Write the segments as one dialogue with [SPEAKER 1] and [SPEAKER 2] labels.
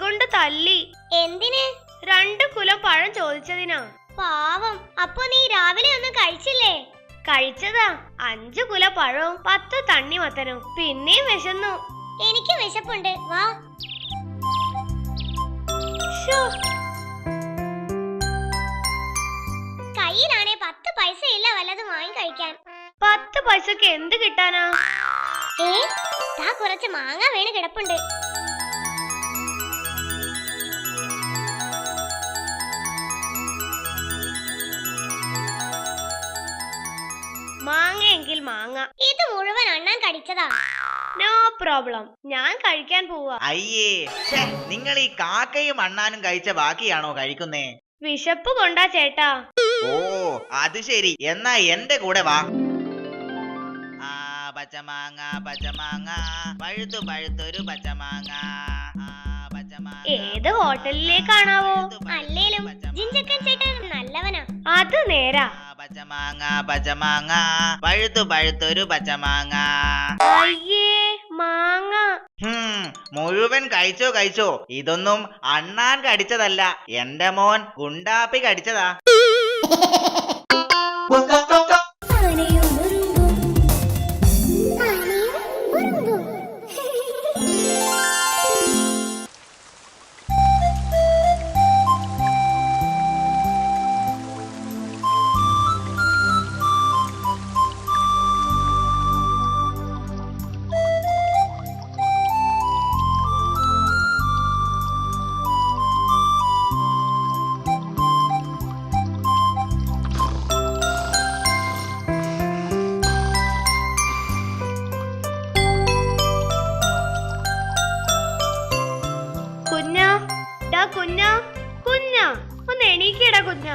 [SPEAKER 1] കൊണ്ട് തല്ലി.
[SPEAKER 2] എന്തിന്?
[SPEAKER 1] 2 കുലം പഴം ചോദിച്ചതിനാ.
[SPEAKER 2] പാവം. അപ്പൊ നീ രാവിലെ ഒന്നും കഴിച്ചില്ലേ?
[SPEAKER 1] കഴിച്ചതാ 5 കുല പഴവും 10 തണ്ണിമത്തനും. പിന്നെയും വിശന്നു.
[SPEAKER 2] എനിക്ക് വിശപ്പുണ്ട്, വാ. കയ്യിലാണേ 10 പൈസ ഇല്ല വല്ലതും വാങ്ങി കഴിക്കാൻ.
[SPEAKER 1] 10 പൈസക്ക് എന്ത് കിട്ടാനാ?
[SPEAKER 2] കുറച്ച് മാങ്ങ വീണ് കിടപ്പുണ്ട്.
[SPEAKER 1] മാങ്ങയെങ്കിൽ മാങ്ങ.
[SPEAKER 2] ഇത് മുഴുവൻ അണ്ണാൻ കടിച്ചതാ.
[SPEAKER 1] നോ പ്രോബ്ലം, ഞാൻ കഴിക്കാൻ പോവാ.
[SPEAKER 3] അയ്യേ, നിങ്ങൾ ഈ കാക്കയും അണ്ണാനും കഴിച്ച ബാക്കിയാണോ കഴിക്കുന്നേ?
[SPEAKER 1] വിശപ്പ് കൊണ്ടാ ചേട്ടാ.
[SPEAKER 3] ഓ അത് ശരി, എന്നാ എന്റെ കൂടെ വാ. പച്ചമാങ്ങ പച്ചമാങ്ങ പഴുത്തു പഴുത്തൊരു പച്ചമാങ്ങ.
[SPEAKER 1] ഏത് ഹോട്ടലിലേക്കാണാവോ?
[SPEAKER 2] അല്ലേലും ജിഞ്ചക്കൻ ചേട്ടൻ നല്ലവനാ.
[SPEAKER 1] അത് നേരാ.
[SPEAKER 3] പച്ചമാങ്ങ പച്ചമാങ്ങ പഴുത്തു പഴുത്തൊരു പച്ചമാങ്ങ.
[SPEAKER 1] അയ്യേ മാങ്ങ.
[SPEAKER 3] മുഴുവൻ കഴിച്ചോ കഴിച്ചോ. ഇതൊന്നും അണ്ണാൻ കടിച്ചതല്ല, എന്റെ മോൻ ഗുണ്ടാപ്പി കടിച്ചതാ.
[SPEAKER 1] കുഞ്ഞാ കുഞ്ഞാ ഒന്ന് എണീക്കടാ കുഞ്ഞാ.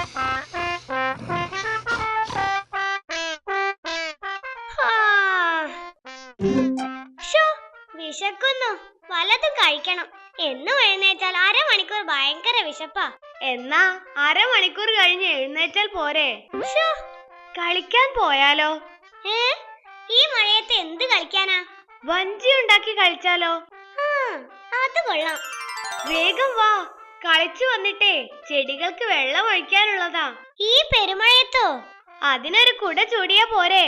[SPEAKER 2] വിശക്കുന്നു, വല്ലതും കഴിക്കണം. എന്നും എഴുന്നേറ്റാൽ അരമണിക്കൂർ ഭയങ്കര വിശപ്പാ.
[SPEAKER 1] എന്നാ അരമണിക്കൂർ കഴിഞ്ഞ് എഴുന്നേറ്റാൽ പോരെ? കളിക്കാൻ പോയാലോ?
[SPEAKER 2] ഈ മഴയത്ത് എന്ത് കളിക്കാനാ?
[SPEAKER 1] വഞ്ചി ഉണ്ടാക്കി കളിച്ചാലോ?
[SPEAKER 2] അത് കൊള്ളാം.
[SPEAKER 1] വേഗം വാ, കളിച്ചു വന്നിട്ടേ ചെടികൾക്ക് വെള്ളം ഒഴിക്കാനുള്ളതാ.
[SPEAKER 2] ഈ പെരുമഴയത്തോ?
[SPEAKER 1] അതിനൊരു കുട ചൂടിയാ പോരെ?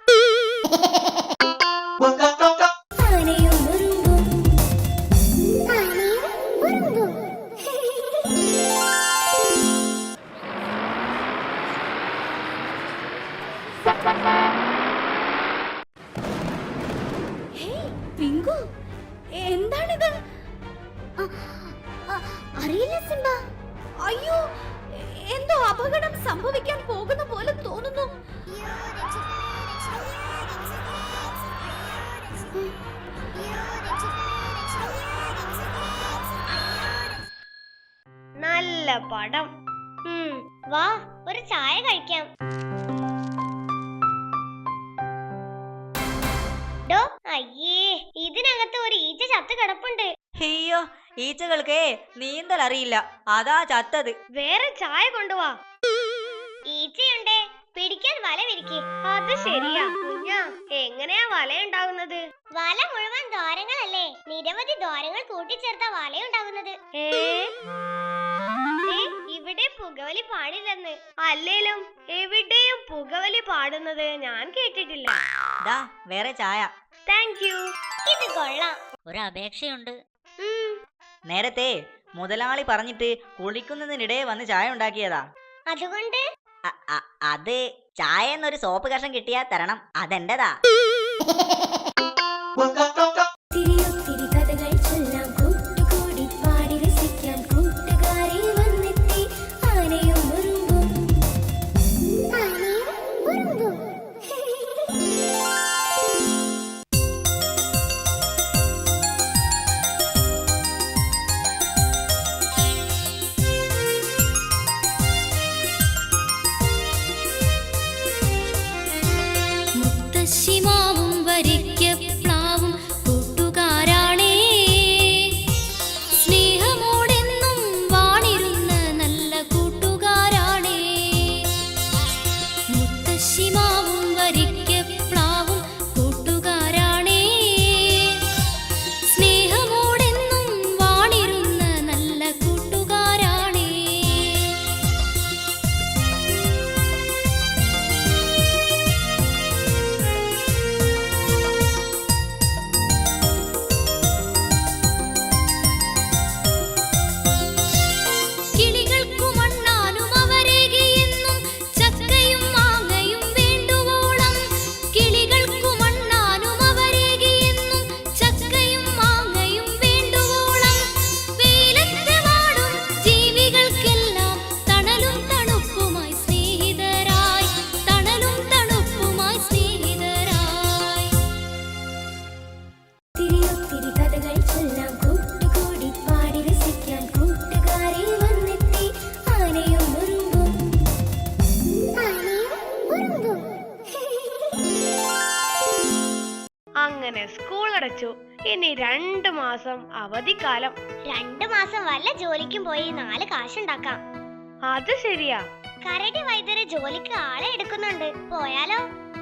[SPEAKER 2] എന്താണിത്? അറിയില്ല സിംബ.
[SPEAKER 4] അയ്യോ, എന്തോ അപകടം സംഭവിക്കാൻ പോകുന്ന പോലെ തോന്നുന്നു.
[SPEAKER 1] നല്ല പടം.
[SPEAKER 2] വാ, ഒരു ചായ കഴിക്കാം. അയ്യേ, ഇതിനകത്ത് ഒരു ഈച്ച ചത്ത് കിടപ്പുണ്ട്.
[SPEAKER 4] അയ്യോ, ഈച്ചകൾക്ക് നീന്തൽ അറിയില്ല, അതാ ചത്തത്.
[SPEAKER 1] വേറെ ചായ കൊണ്ടുവാ.
[SPEAKER 2] ഈച്ചയുണ്ടേ, പിടിക്കാൻ വല വിരിക്ക്.
[SPEAKER 1] അത് ശരിയാ കുഞ്ഞാ. എങ്ങനെയാ വല ഉണ്ടാകുന്നത്?
[SPEAKER 2] വല മുഴുവൻ ദ്വാരങ്ങളല്ലേ, നിരവധി ദ്വാരങ്ങൾ കൂട്ടിച്ചേർത്ത വലയുണ്ടാകുന്നത്.
[SPEAKER 1] ഇവിടെ പുകവലി പാടില്ലെന്ന്. അല്ലേലും എവിടെയും പുകവലി പാടുന്നത് ഞാൻ കേട്ടിട്ടില്ല.
[SPEAKER 4] വേറെ ചായ.
[SPEAKER 1] Thank you.
[SPEAKER 2] ഇത് കൊള്ളാം.
[SPEAKER 4] ഒരു അപേക്ഷയുണ്ട്. നേരത്തെ മുതലാളി പറഞ്ഞിട്ട് കുളിക്കുന്നതിനിടെ വന്ന് ചായ ഉണ്ടാക്കിയതാ.
[SPEAKER 2] അതുകൊണ്ട്
[SPEAKER 4] അത് ചായ എന്നൊരു സോപ്പ് കഷ്ണം കിട്ടിയാ തരണം, അതെന്റെതാ.
[SPEAKER 5] മുത്തശ്ശിമാവും വരിക്ക പ്ലാവും
[SPEAKER 1] ഇനി 2 മാസം അവധിക്കാലം.
[SPEAKER 2] 2 മാസം വല്ല ജോലിക്കും പോയി 4 കാശുണ്ടാക്കാം.
[SPEAKER 1] അത് ശരിയാ.
[SPEAKER 2] കരടി വൈദ്യര് ജോലിക്ക് ആളെ എടുക്കുന്നുണ്ട്, പോയാലോ?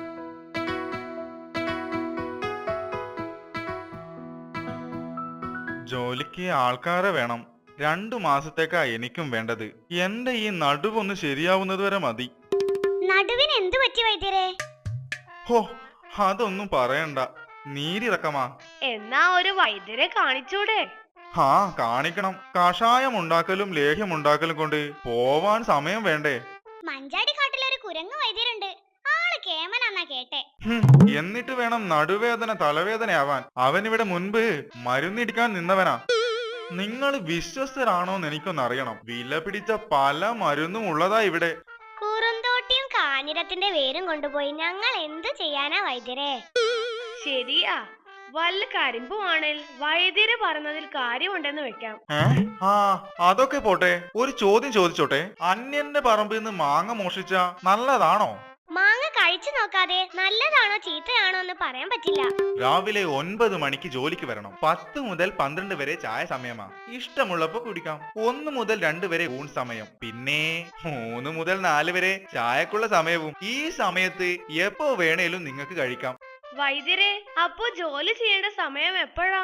[SPEAKER 5] ജോലിക്ക് ആൾക്കാരെ വേണം. 2 മാസത്തേക്കാ എനിക്കും വേണ്ടത്. എന്റെ ഈ നടുവൊന്ന് ശരിയാവുന്നത് വരെ മതി.
[SPEAKER 2] നടുവിന് എന്തു പറ്റി വൈദ്യരെ?
[SPEAKER 5] ഹോ, അതൊന്നും പറയണ്ട, നീരിറക്കമാ.
[SPEAKER 1] എന്നാ ഒരു വൈദ്യരെ കാണിച്ചൂടെ?
[SPEAKER 5] ഹാ, കാണിക്കണം. കഷായം ഉണ്ടാക്കലും ലേഹ്യം ഉണ്ടാക്കലും കൊണ്ട് പോവാൻ സമയം വേണ്ടേ?
[SPEAKER 2] മഞ്ചാടി കാട്ടിലൊരു കുരങ്ങ് വൈദ്യരുണ്ട്, ആള് കേമനാന്നാ കേട്ടെ.
[SPEAKER 5] എന്നിട്ട് വേണം നടുവേദന തലവേദനയാവാൻ. അവനിവിടെ മുൻപ് മരുന്നിടിക്കാൻ നിന്നവനാ. നിങ്ങൾ വിശ്വസ്തരാണോന്ന് എനിക്കൊന്നറിയണം. വില പിടിച്ച പല മരുന്നും ഉള്ളതാ ഇവിടെ.
[SPEAKER 2] കുറുന്തോട്ടിയും കാഞ്ഞിരത്തിന്റെ വേരും കൊണ്ടുപോയി ഞങ്ങൾ എന്തു ചെയ്യാനാ വൈദ്യരെ?
[SPEAKER 1] ശരിയാ, വല്ല കരിമ്പുവാണേൽ വൈദ്യര് പറഞ്ഞതിൽ കാര്യമുണ്ടെന്ന് വെക്കാം.
[SPEAKER 5] ആ, അതൊക്കെ പോട്ടെ. ഒരു ചോദ്യം ചോദിച്ചോട്ടെ. അന്യന്റെ പറമ്പിൽ നിന്ന് മാങ്ങ മോഷിച്ച നല്ലതാണോ?
[SPEAKER 2] മാങ്ങ കഴിച്ചു നോക്കാതെ നല്ലതാണോ ചീത്തയാണോ എന്ന് പറയാൻ പറ്റില്ല.
[SPEAKER 5] രാവിലെ 9 മണിക്ക് ജോലിക്ക് വരണം. 10 മുതൽ 12 വരെ ചായ സമയമാ. ഇഷ്ടമുള്ളപ്പോ കുടിക്കാം. 1 മുതൽ 2 വരെ ഊൺ സമയം. പിന്നെ 3 മുതൽ 4 വരെ ചായക്കുള്ള സമയവും. ഈ സമയത്ത് എപ്പോ വേണേലും നിങ്ങൾക്ക് കഴിക്കാം.
[SPEAKER 1] വൈദ്യരെ, അപ്പോ ജോലി ചെയ്യേണ്ട സമയം എപ്പോഴാ?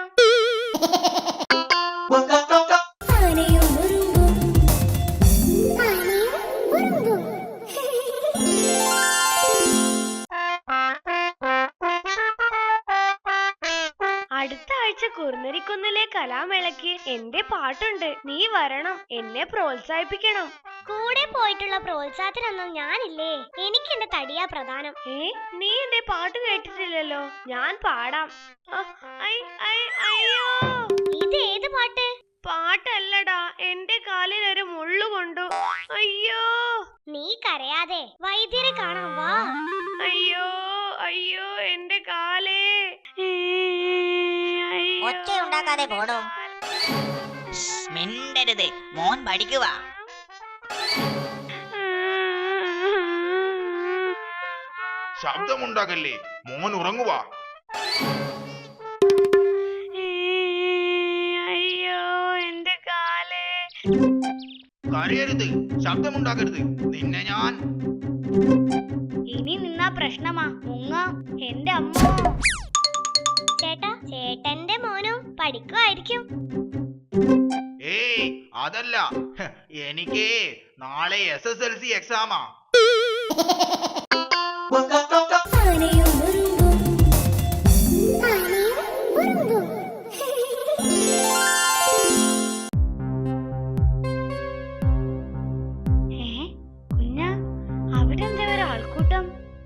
[SPEAKER 1] അടുത്ത ആഴ്ച കുറുനരിക്കുന്നിലെ കലാമേളയ്ക്ക് എന്റെ പാട്ടുണ്ട്. നീ വരണം, എന്നെ പ്രോത്സാഹിപ്പിക്കണം.
[SPEAKER 2] കൂടെ പോയിട്ടുള്ള പ്രോത്സാഹത്തിനൊന്നും ഞാനില്ലേ, എനിക്ക് എന്റെ തടിയാ പ്രധാനം.
[SPEAKER 1] നീ എന്റെ പാട്ട് കേട്ടിട്ടില്ലല്ലോ. ഞാൻ പാടാം. അയ്യോ,
[SPEAKER 2] ഇത് ഏത് പാട്ട്?
[SPEAKER 1] പാട്ടല്ലടാ, എന്റെ കാലിൽ ഒരു മുള്ളു കൊണ്ടു. അയ്യോ.
[SPEAKER 2] നീ കരയാതെ വൈദ്യരെ കാണാൻ വാ.
[SPEAKER 1] അയ്യോ അയ്യോ, എന്റെ കാലേ.
[SPEAKER 4] ഒച്ചയുണ്ടാക്കാതെ പോടോ. മിണ്ടരുത്, മോൻ പഠിക്കുക.
[SPEAKER 5] ശബ്ദമുണ്ടാകല്ലേ, മോൻ ഉറങ്ങുക.
[SPEAKER 1] അയ്യോ, എന്റെ കാലേ.
[SPEAKER 3] കരയരുത്, ശബ്ദമുണ്ടാക്കരുത്. നിന്നെ ഞാൻ
[SPEAKER 1] ഇനി നിന്നാ പ്രശ്നമാ. മുങ്ങ, എന്റെ അമ്മ.
[SPEAKER 2] ചേട്ടാ, ചേട്ടന്റെ മോനും പഠിക്കുമായിരിക്കും.
[SPEAKER 3] ഏയ്, അതല്ല. എനിക്ക് നാളെ SSLC എക്സാമാ.
[SPEAKER 1] കുഞ്ഞ, അവിടെ എന്താ ഒരാൾക്കൂട്ടം?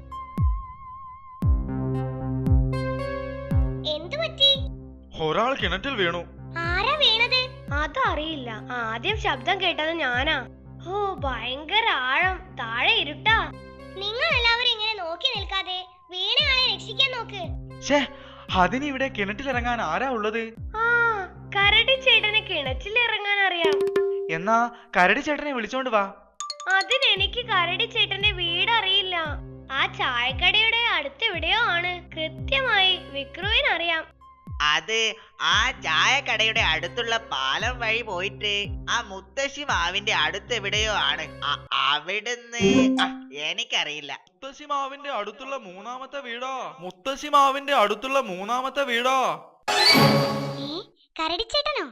[SPEAKER 2] എന്തു പറ്റി?
[SPEAKER 5] ഒരാൾ കിണറ്റിൽ വീണു.
[SPEAKER 2] ആരാ വീണത്?
[SPEAKER 1] അതറിയില്ല. ആദ്യം ശബ്ദം കേട്ടത് ഞാനാ. ഓ, ഭയങ്കര ആഴം. താഴെ ഇരുട്ടാ.
[SPEAKER 2] നിങ്ങൾ എല്ലാവരും ഇങ്ങനെ നോക്കി നിൽക്കാതെ വീണയാളെ രക്ഷിക്കാൻ നോക്ക്.
[SPEAKER 5] അതിനിവിടെ കിണറ്റിലിറങ്ങാൻ ആരാ ഉള്ളത്?
[SPEAKER 1] ആ, കരടി ചേട്ടന് കിണറ്റിൽ ഇറങ്ങാൻ അറിയാം.
[SPEAKER 5] എന്നാ കരടി ചേട്ടനെ വിളിച്ചോണ്ട് വാ.
[SPEAKER 1] അതിനെനിക്ക് കരടി ചേട്ടന്റെ വീട് അറിയില്ല. ആ ചായക്കടയുടെ അടുത്തെവിടെയോ ആണ്. കൃത്യമായി വിക്രുവിനറിയാം.
[SPEAKER 3] അത് ആ ചായക്കടയുടെ അടുത്തുള്ള പാലം വഴി പോയിട്ട് ആ മുത്തശ്ശി മാവിന്റെ അടുത്തെവിടെയോ ആണ്. അവിടുന്ന് എനിക്കറിയില്ല.
[SPEAKER 5] മുത്തശ്ശി മാവിന്റെ അടുത്തുള്ള മൂന്നാമത്തെ വീടാ. മുത്തശ്ശി മാവിന്റെ അടുത്തുള്ള മൂന്നാമത്തെ വീടാ.
[SPEAKER 2] കരടിച്ചേട്ടനോ?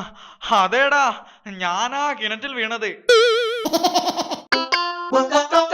[SPEAKER 5] അതേടാ, ഞാനാ കിണറ്റിൽ വീണത്.